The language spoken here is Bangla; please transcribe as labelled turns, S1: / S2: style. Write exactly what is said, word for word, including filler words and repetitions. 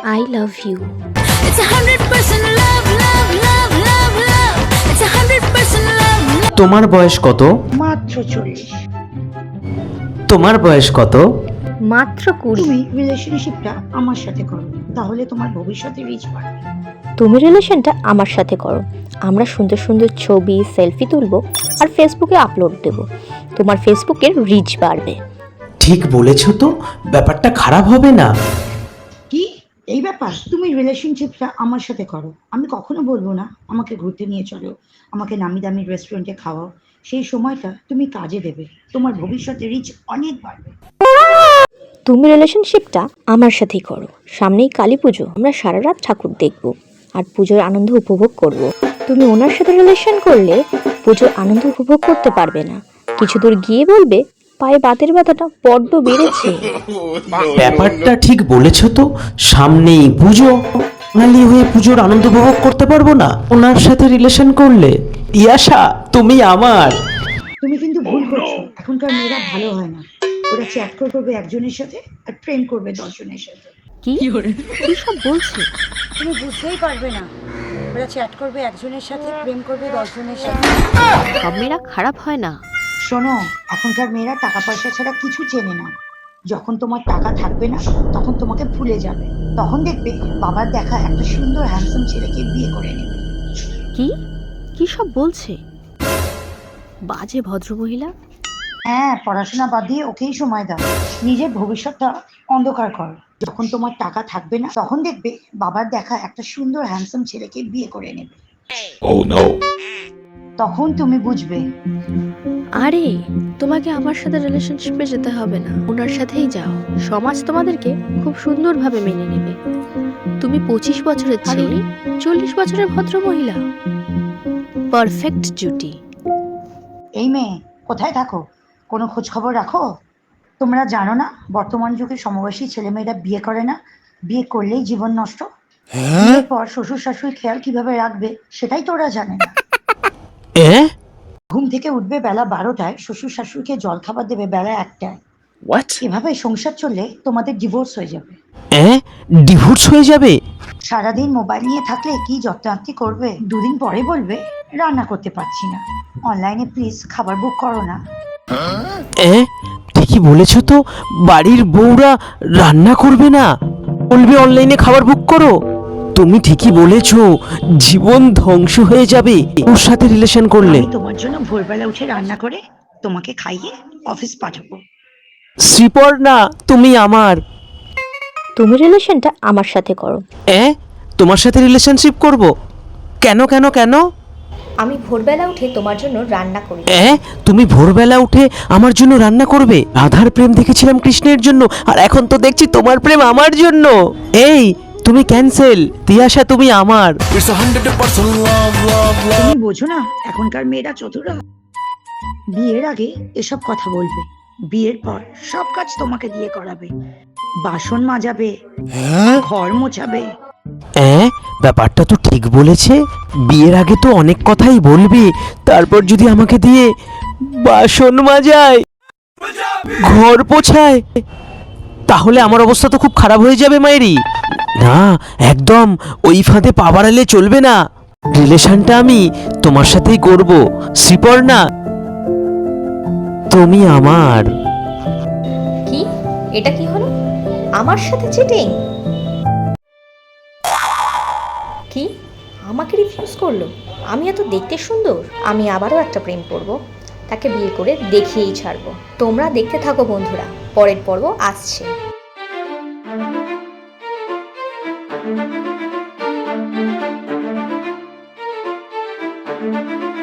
S1: I love you.
S2: It's a hundred percent love, love, love, love, love. It's a hundred percent love, love.
S3: তোমার বয়স কত?
S4: মাত্র চল্লিশ।
S3: তোমার বয়স কত?
S1: মাত্র কুড়ি।
S4: তুমি রিলেশনশিপটা আমার সাথে করো, তাহলে তোমার ভবিষ্যতে রিচ বাড়বে।
S1: তুমি রিলেশনটা আমার সাথে করো, আমরা সুন্দর সুন্দর ছবি সেলফি তুলবো আর ফেসবুকে আপলোড দেব, তোমার ফেসবুকের রিচ বাড়বে।
S3: ঠিক বলেছো তো, ব্যাপারটা খারাপ হবে না।
S4: কি এই ব্যাপার? তুমি রিলেশনশিপটা আমার সাথে করো, আমি কখনো বলবো না আমাকে ঘুরতে নিয়ে চলো, আমাকে নামি দামি রেস্টুরেন্টে খাওয়াও। সেই সময়টা তুমি কাজে দেবে, তোমার ভবিষ্যতে রিচ অনেক বাড়বে।
S1: তুমি রিলেশনশিপটা আমার সাথেই করো, সামনেই কালী পুজো, আমরা সারা রাত ঠাকুর দেখবো আর পুজোর আনন্দ উপভোগ করব। তুমি ওনার সাথে রিলেশন করলে পুজোর আনন্দ উপভোগ করতে পারবে না, কিছু দূর গিয়ে বলবে পায়ে বাতের ব্যথাটা বড্ড বেড়েছে।
S3: ব্যাপারটা ঠিক বলেছো তো, সামনেই পুজো, বাঙালি হয়ে পুজোর আনন্দ উপভোগ করতে পারবো না ওনার সাথে রিলেশন করলে। ইয়াশা, তুমি আমার।
S4: তুমি কিন্তু ভুল করছো, এখনকার মেয়েরা ভালো হয় না, ওরা চ্যাট করবে একজনের সাথে আর প্রেম করবে দশজনের সাথে।
S1: কি কি সব বলছে?
S4: তুমি বুঝতেই পারবে না, ওরা চ্যাট করবে একজনের সাথে প্রেম করবে দশজনের সাথে।
S1: সব মেয়েরা খারাপ হয় না।
S4: শোনো, এখনকার মেয়েরা টাকা পয়সা ছাড়া কিছু চেনে না। যখন তোমার টাকা থাকবে না তখন তোমাকে ভুলে যাবে, তখন দেখবে বাবার দেখা একটা সুন্দর হ্যান্ডসাম ছেলেকে বিয়ে করে নেবে।
S1: কি কি সব বলছে? বাজে ভদ্রমহিলা।
S4: হ্যাঁ, পড়াশোনা বাদ দিয়ে ওকেই সময় দাও, নিজের ভবিষ্যৎটা অন্ধকার কর। যখন তোমার টাকা থাকবে না তখন দেখবে বাবার দেখা একটা সুন্দর হ্যান্ডসাম ছেলেকে বিয়ে করে নেবে।
S3: Oh no!
S4: তখন তুমি বুঝবে।
S1: আরে তোমাকে আমার সাথে রিলেশনশিপে যেতে হবে না, ওনার সাথেই যাও, সমাজ তোমাদেরকে খুব সুন্দরভাবে মেনে নেবে। তুমি পঁচিশ বছরের ছেলে, চল্লিশ বছরের ভদ্র মহিলা, পারফেক্ট জুটি।
S4: এই মেয়ে, কোথায় থাকো? কোনো খোঁজ খবর রাখো? তোমরা জানো না বর্তমান যুগে সমবয়সী ছেলেমেয়েরা বিয়ে করে না, বিয়ে করলেই জীবন নষ্ট। বিয়ের পর শ্বশুর শাশুড়ি খেয়াল কিভাবে রাখবে সেটাই তোরা জানে না।
S3: এ
S4: ঘুম থেকে উঠবে বেলা বারোটায়, শ্বশুর শাশুড়িকে জল খাবার দেবে বেলা একটায়।
S3: হোয়াট?
S4: এভাবে সংসার চললে তোমাদের ডিভোর্স হয়ে যাবে।
S3: এ ডিভোর্স হয়ে যাবে?
S4: সারাদিন মোবাইল নিয়ে থাকলে কি যত্নার্থী করবে? দুদিন পরে বলবে রান্না করতে পারছি না, অনলাইনে প্লিজ খাবার বুক করো না।
S3: এ ঠিকই বলেছো তো, বাড়ির বউরা রান্না করবে না, বলবে অনলাইনে খাবার বুক করো। তুমি ঠিকই বলেছো, জীবন ধ্বংস হয়ে যাবে ওর সাথে রিলেশন করলে।
S4: আমি তোমার জন্য ভোরবেলা উঠে রান্না করে তোমাকে খাইয়ে অফিস পাঠাবো।
S3: শ্রীপর্ণা, তুমি আমার।
S1: তুমি রিলেশনটা আমার সাথে করো।
S3: এ তোমার সাথে রিলেশনশিপ করব? কেন কেন কেন?
S1: আমি ভোরবেলা উঠে তোমার জন্য রান্না করি।
S3: এ তুমি ভোরবেলা উঠে আমার জন্য রান্না করবে? রাধার প্রেম দেখেছিলাম কৃষ্ণের জন্য, আর এখন তো দেখছি তোমার প্রেম আমার জন্য। এই তুমি ক্যান্সেল, তিয়াশা তুমি আমার।
S4: তুমি বোঝো না এখনকার মেয়েরা চতুরা। বিয়ের আগে এসব কথা বলবে, বিয়ের পর সব কাজ তোমাকে দিয়ে করাবে, বাসন মাজাবে, ঘর মোছাবে।
S3: এ ব্যাপারটা তো ঠিক বলেছে, বিয়ের আগে তো অনেক কথাই বলবে, তারপর যদি আমাকে দিয়ে বাসন মাজায়, ঘর পোছায়, তাহলে আমার অবস্থা তো খুব খারাপ হয়ে যাবে মায়েরি। না, একদম ওই ফাঁদে পা বাড়ালে চলবে না। রিলেশনটা আমি তোমার সাথেই করব। শ্রীপর্ণা, তুমি আমার।
S1: কি এটা কি হলো? আমার সাথে চিটিং? কি আমাকে রিফিউজ করলো? আমি এত দেখতে সুন্দর? আমি আবারও একটা প্রেম করব, তাকে বিয়ে করে দেখিয়েই ছাড়বো। তোমরা দেখতে থাকো বন্ধুরা, পরের পর্ব আসছে।
S2: Thank you.